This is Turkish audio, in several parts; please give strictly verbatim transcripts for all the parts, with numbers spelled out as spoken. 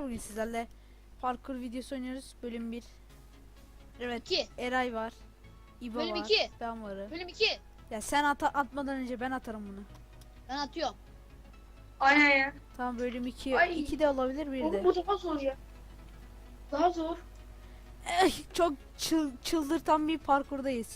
Bugün sizlerle parkur videosu oynuyoruz. Bölüm bir. Evet. iki. Eray var. İbo Bölüm var. iki. Ben varım. Bölüm iki. Ya sen ata atmadan önce ben atarım bunu. Ben atıyorum. Aynen ya. Tamam, bölüm iki. Ay. iki de olabilir, bir Oğlum de. bu daha zor ya. Daha zor. Eh, çok çıl, çıldırtan bir parkurdayız.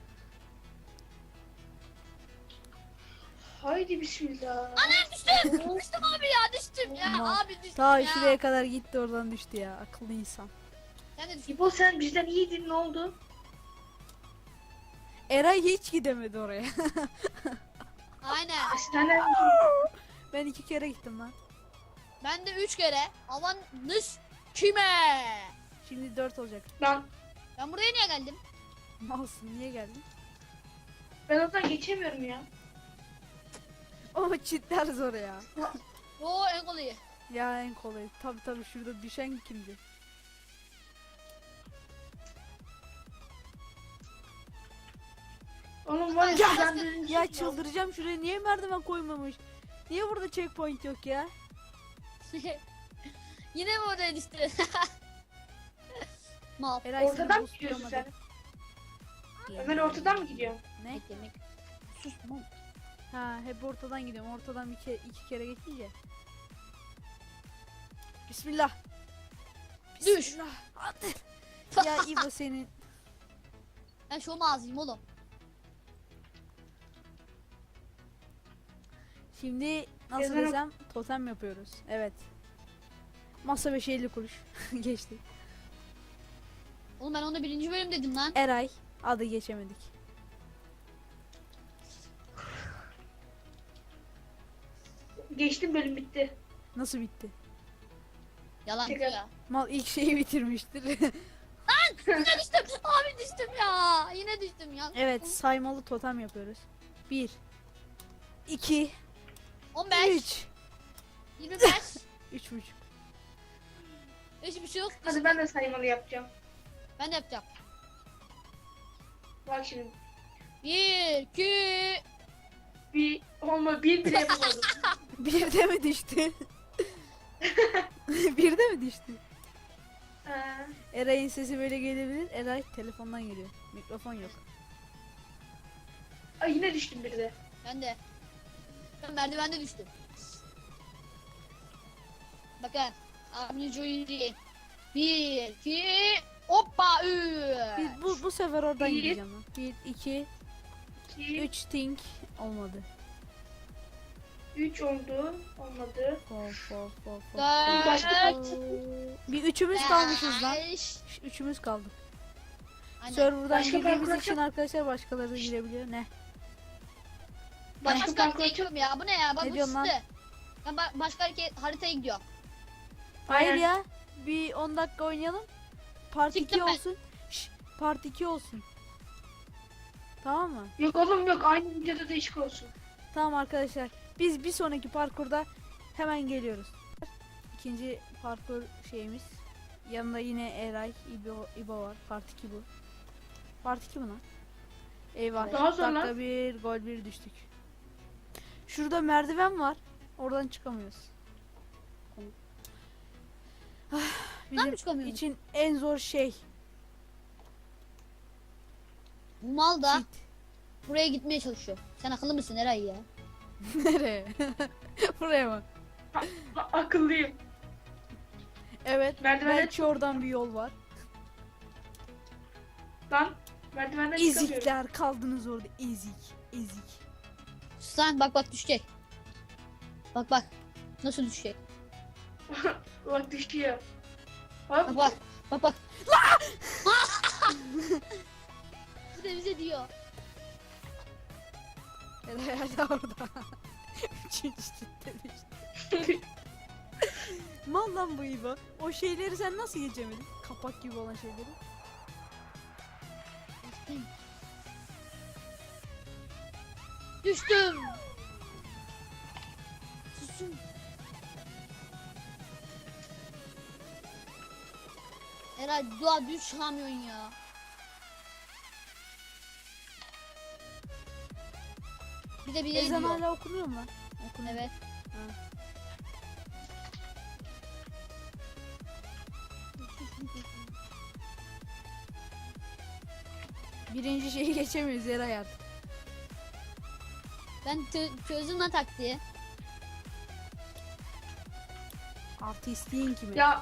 Haydi bismillah. Anam düştüm. düştüm abi ya düştüm ya. Aman. Abi düştüm Ta ya. şuraya kadar gitti, oradan düştü ya. Akıllı insan. Sen de düştün. İbo sen bizden iyiydin, ne oldu? Eray hiç gidemedi oraya. Aynen. Sen Ben iki kere gittim lan. Ben de üç kere. Alan nış kime? Şimdi dört olacak. ben Ben buraya niye geldim? Malsın, niye geldin? ben oradan geçemiyorum ya. Ama çitler zor ya. Oo en kolayı. Ya en kolay. Tabi tabi, şurada düşen kimdi? Oğlum var ya, Ya, sizden birini Ya tutmam. çıldıracağım, şuraya niye merdiven koymamış? Niye burada checkpoint yok ya? Yine mi oraya düştün? Mal. Eray seni Ortadan mı gidiyorsun boostlayamadı. sen? Ömer ortadan mı gidiyorsun? Ne? Yemek yemek. Sus mal. Ha, hep ortadan gidiyorum. Ortadan bir ke iki kere geçince. Bismillah. Düş. Bismillah. Hadi. Ya İbo senin. Ben şu ağzıyım oğlum. Şimdi nasıl Ezan ok- desem, totem yapıyoruz. Evet. Masa beş elli kuruş. Geçti. Oğlum ben onu birinci bölüm dedim lan. Eray. Adı geçemedik. Geçtim, bölüm bitti. Nasıl bitti? Yalan Tekrar. ya. Mal ilk şeyi bitirmiştir. Yine düştüm. Abi düştüm ya. Yine düştüm ya. Evet, saymalı totem yapıyoruz. bir iki on beş. üç yirmi beş. üç buçuk. üç buçuk. Hadi ben de saymalı yapacağım. Ben de yapacağım. Bak şimdi. bir, iki. Bir olma, bir bile yapamadım. Bir de mi düştü? Bir de mi düştü? Ha. Eray'ın sesi böyle gelebilir. Eray telefondan geliyor. Mikrofon yok. Ay yine düştüm bir de. Ben de. Ben merdivende düştüm. Bakın. Abinin oyunu. bir, iki. Hoppa. Üç. Biz bu bu sefer oradan Bir. gideceğim lan. bir iki İki, üç think olmadı. üç oldu. Olmadı. Of of of. of. dört. Başka- Bir üçümüz kalmışız lan. beş. Ş- Üçümüz kaldık. Aynen. Server'dan Başka girdiğimiz parkur için arkadaşlar başkaları da girebiliyor. Ne? Ben Başka başka parkur haritaya gidiyorum ya. Bu ne ya? Bak Ne bu diyorsun lan? sıktı. Ben ba- başka hareket, haritaya gidiyorum. Hayır Aynen. ya. Bir on dakika oynayalım. Part iki Çıktım ben. olsun. Şş, part iki olsun. Tamam mı? Yok oğlum yok, aynı videoda değişik olsun. Tamam arkadaşlar. Biz bir sonraki parkurda hemen geliyoruz. İkinci parkur şeyimiz. Yanında yine Eray, İbo, İbo var. Part iki bu. Part iki mi lan? Eyvah. Daha zor Dakika lan. bir, gol bir düştük. Şurada merdiven var. Oradan çıkamıyoruz. Ah, Lan Bizim çıkamıyorum. için en zor şey. Bu mal da Cheat. buraya gitmeye çalışıyor. Sen akıllı mısın Eray ya? Nereye? Buraya mı? A- akıllıyım. Evet. Merdivenden Belki oradan bir yol var. Lan merdivenden çıkamıyorum. Ezikler kaldınız orada. Ezik. Ezik. Sus lan bak bak düşecek. Bak bak. Nasıl düşecek? Bak düşüyor. Bak Hop. bak. Bak bak. Bu da bize diyor. Eray hala orada. Üçüncü cidden işte. Mal lan bu İbo. O şeyleri sen nasıl geçemedin? Kapak gibi olan şeyleri. Düştüm. Susun. Eray dua düş çıkamıyorsun ya. Bir de bir de Ezan diyor. hala okunuyor mu lan? Okunuyor. Evet. Ha. Birinci şeyi geçemiyoruz Eray artık. Ben tö- çözdüm lan taktiği. Artı isteyin kimi? Ya.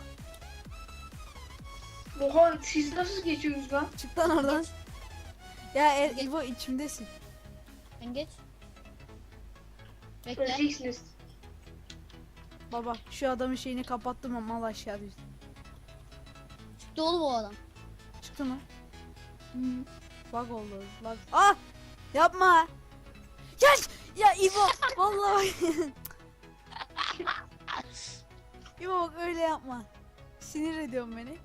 Oha siz nasıl geçiyorsunuz lan? Çık lan oradan. Ya er, İbo içimdesin. Sen geç. Bekle. Öleceksiniz. Baba şu adamın şeyini kapattım ama mal aşağı düştü. Çıktı oğlum o adam. Çıktı mı? Hı. Bug oldu. Bug. Ah! Yapma. Ya ya İbo vallahi bak. İbo bak öyle yapma. Sinir ediyorsun beni.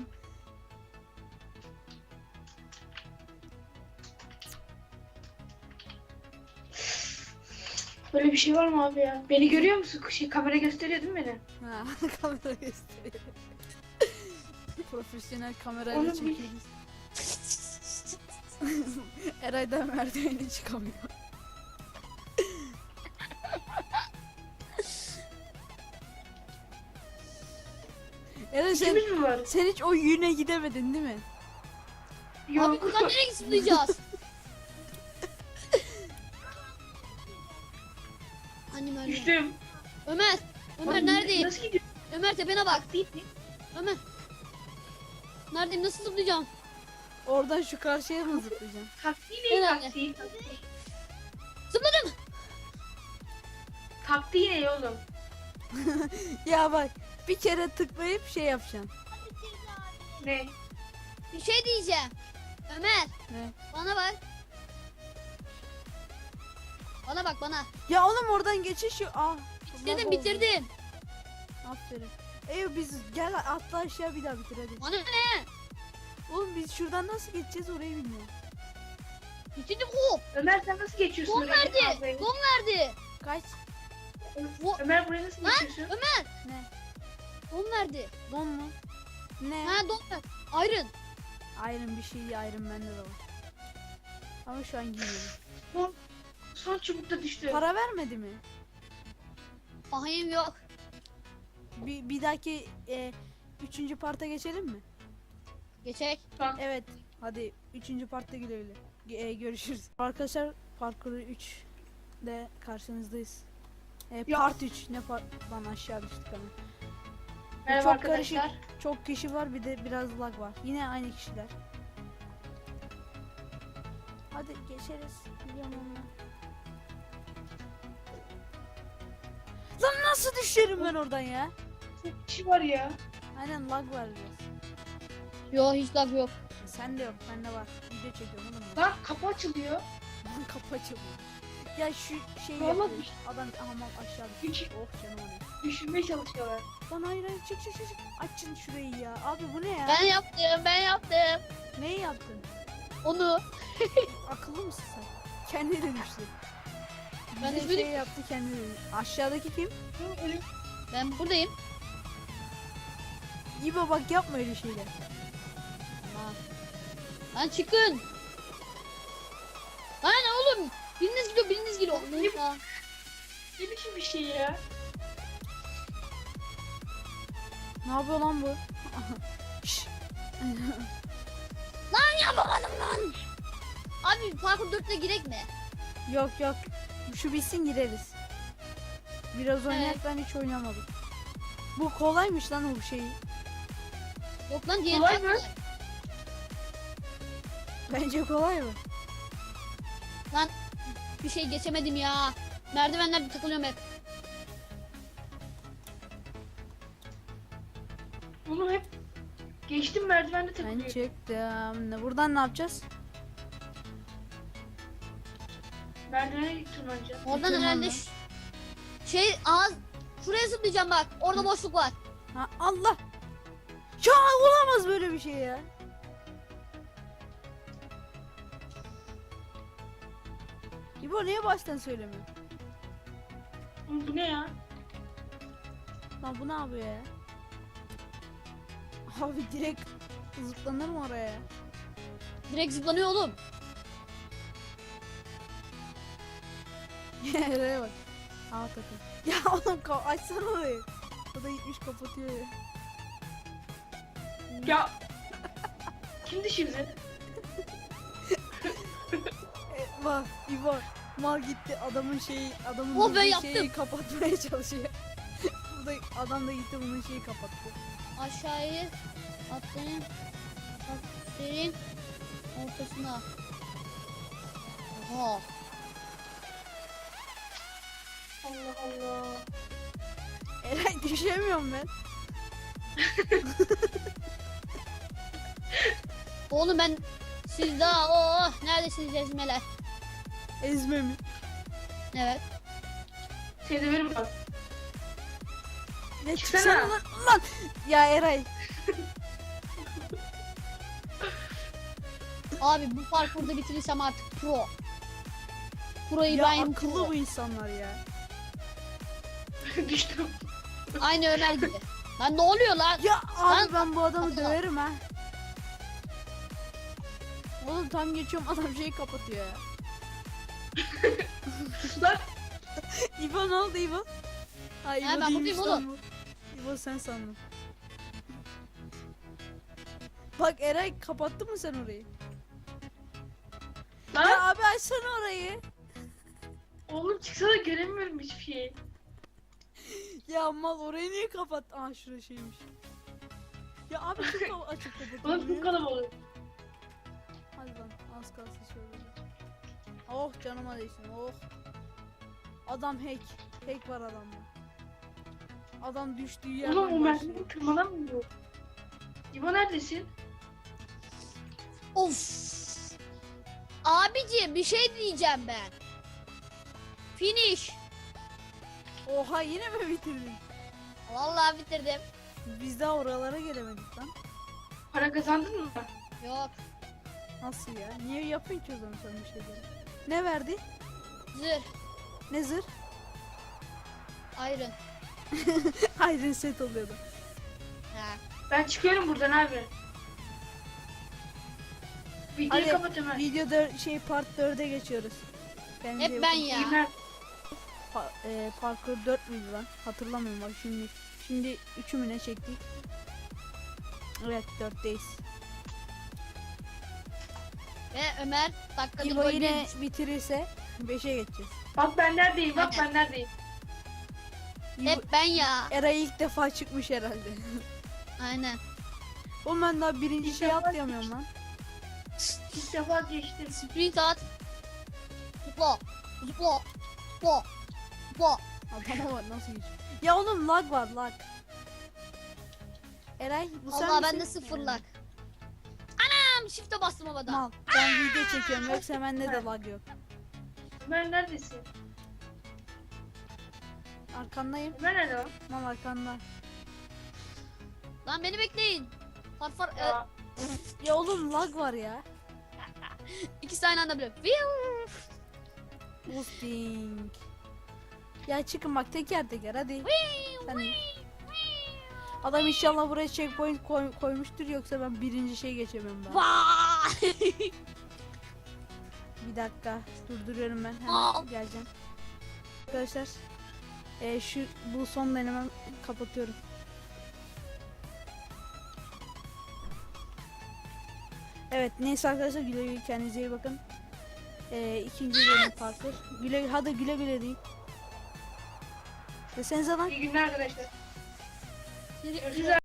Böyle bir şey var mı abi ya? Beni görüyor musun? Şey, kamera gösteriyor değil mi beni? Ha, kamera gösteriyor. Profesyonel kamerayla Oğlum bir- çekiyoruz. Eray'dan merdiveni çıkamıyor. Eray sen, İkimiz mi var? sen hiç o yüne gidemedin değil mi? Abi Yok. buradan nereye zıplayacağız? Annem öyle. Düştüm. Ömer. Ömer Oğlum, neredeyim? Nasıl gidiyor? Ömer tepene bak. Değil. Ömer. Neredeyim? Nasıl zıplayacağım? Oradan şu karşıya mı zıplayacaksın? Taksi ne? Herhalde. Taksi. Zıpladım. Taksi ne oğlum? Ya bak bir kere tıklayıp şey yapacaksın. Ne? Bir şey diyeceğim. Ömer. Ne? Bana bak. Bana bak bana. Ya oğlum oradan geçiş yok. Ah. Bitirdim bug oldu. bitirdim. Aferin. Ey biz gel atla aşağı bir daha bitir hadi. Bana ne? Oğlum biz şuradan nasıl geçeceğiz orayı bilmiyorum. Bitirdim o. Ömer sen nasıl geçiyorsun? Gol oraya? verdi. Abi. Gol verdi. Kaç? Go- Ömer buraya nasıl Lan, geçiyorsun? Ömer. Ne? Gol verdi. Don mu? Ne? Ha don ver. Iron. Iron bir şey Iron bende de var. Ama şu an giyiyorum. Son, son çubukta düştü. Para vermedi mi? Ahayım yok. Bir, bir dahaki e, üçüncü parta geçelim mi? Geçek. Tamam. Evet. Hadi üçüncü partta güle güle. Ge- e, görüşürüz. Arkadaşlar parkuru üç de karşınızdayız. E, Ya. part üç ne part? Lan aşağı düştük ama. Merhaba Çok arkadaşlar. karışık. Çok kişi var bir de biraz lag var. Yine aynı kişiler. Hadi geçeriz. Biliyorum onu. Lan nasıl düşerim ben oradan ya? Çok kişi var ya. Aynen lag var biraz. Yok hiç lag yok. Sen de yok, bende var. Video çekiyorum oğlum. ben. Lan kapı açılıyor. Lan kapı açılıyor. Ya şu şey Vallahi yapıyor. düş- Adam aman aşağı Düş- düştü. Oh canım oraya. Düşürmeye çalışıyorlar. Lan hayır hayır çık çık çık. çık. Açın şurayı ya. Abi bu ne ya? Ben yaptım ben yaptım. Neyi yaptın? Onu. Akıllı mısın sen? Kendi de düştü. Ben Ben de şey böyle- yaptı kendi de düştü. Aşağıdaki kim? Hı, ölüm. Ben buradayım. İbo bak yapma öyle şeyler. Tamam. Lan çıkın. Lan oğlum. Biriniz gidiyor biriniz gidiyor. Ne- Ya. Ne biçim bir şey ya? Ne yapıyor lan bu? Şşş. Yapamadım lan. Abi parkur dörtte girek mi? Yok yok. Şu bitsin gireriz. Biraz oynayak ben hiç oynamadım. Bu kolaymış lan o şeyi. Yok lan diğer Kolay çok mı? Bence kolay mı? Lan bir şey geçemedim ya. Merdivenlerde takılıyorum hep. Bunu hep geçtim merdivende Ben takılıyor. çıktım. Ne- Buradan ne yapacağız? Merdivene tırmanacağım. Oradan Tırmanma. herhalde ş- şey ağız şuraya zıplayacağım bak. Orada boşluk var. Ha Allah. Ya olamaz böyle bir şey ya. İbo niye baştan söylemiyor? Oğlum bu ne ya? Lan bu ne yapıyor ya? Abi direkt zıplanır mı oraya? ya? Direkt zıplanıyor oğlum. Nereye bak. Aa takım. Ya oğlum ka- açsana orayı. O da gitmiş kapatıyor ya. Ya. Kim düşürdü? Bak İbo mal gitti adamın şeyi adamın Oh be, bulduğu yaptım. şeyi kapatmaya çalışıyor. Burada adam da gitti bunun şeyi kapattı. Aşağıyı atlayın. Atlayın. Ortasına. Oha. Allah Allah. Eray düşemiyorum ben. Oğlum ben siz daha oh neredesiniz ezmeler? Ezme mi? Evet. Seni döverim bak. Ne Çıksana. çıksana lan, lan. Ya Eray. Abi bu parkurda bitirirsem artık pro. Pro'yu Ya ben akıllı pro. bu insanlar ya. Düştüm. Aynı Ömer gibi. Lan ne oluyor lan? Ya abi Lan- ben bu adamı Atla. döverim ha. Oğlum tam geçiyorum adam şeyi kapatıyor ya. Lan. İbo ne oldu İbo? Ha İbo Ha, ben değilmiş buradayım lan bu. İbo sen sandın. Bak Eray kapattın mı sen orayı? Lan. Ya abi açsana orayı. Oğlum çıksana göremiyorum hiçbir şeyi. Ya mal orayı niye kapat? Aa şurası şeymiş. Ya abi çok kal- açık kapat. Oğlum çok kalabalık. Hadi lan az kalsın şöyle. Oh canıma değsin oh. Adam hack. Hack var adamda. Adam düştüğü yerden Oğlum o başlıyor. merdiveni tırmanamıyor. İbo neredesin? Of. Abici bir şey diyeceğim ben. Finish. Oha yine mi bitirdin? Vallahi bitirdim. Biz daha oralara gelemedik lan. Para kazandın mı? Yok. Nasıl ya? Niye yapıyorsun ki o zaman sen bir şeyleri? Ne verdi? Zırh. Ne zırh? Iron. Iron set oluyordu. Ha. Ben çıkıyorum buradan abi. Videoyu Hadi kapat Ömer. video dör- şey part dörde geçiyoruz. Kendinize iyi Hep ben bakın. ya. İyi günler. Pa- e, parkur dört müydü lan? Hatırlamıyorum bak şimdi. Şimdi üçü mü ne çektik? Evet dörtteyiz. Ve Ömer dakikada İbo gol yine bir- bitirirse beşe geçeceğiz. Bak ben neredeyim bak Aynen. ben neredeyim. İbo, Hep ben ya. Eray ilk defa çıkmış herhalde. Aynen. Oğlum ben daha birinci İlk şey defa atlayamıyorum lan. İlk defa geçtim. Sprint at. Zıpla. Zıpla. Zıpla. Zıpla. Adama bak nasıl geçiyor. Ya oğlum lag var lag. Eray bu sen Allah misin? bende sıfırlak. Anam shift'e bastım havada. Mal. Ben video çekiyorum yoksa bende de lag yok. Ömer neredesin? Arkandayım. Ömer nerede lan? Mal arkanda. Lan beni bekleyin. Farfar e, Ya, Ya oğlum lag var ya. iki tane anda bile. Viu. Boosting. Ya çıkın bak teker teker hadi. Sen de. Adam inşallah buraya checkpoint koy- koymuştur yoksa ben birinci şey geçemem ben. Vay. Bir dakika durduruyorum ben Aa. hemen geleceğim. Arkadaşlar e, şu bu son denemem kapatıyorum. Evet neyse arkadaşlar güle güle kendinize iyi bakın. E, ikinci bölüm parkur. Güle hadi güle güle deyin. Desenize lan. iyi günler arkadaşlar. Seni- Görüşürüz.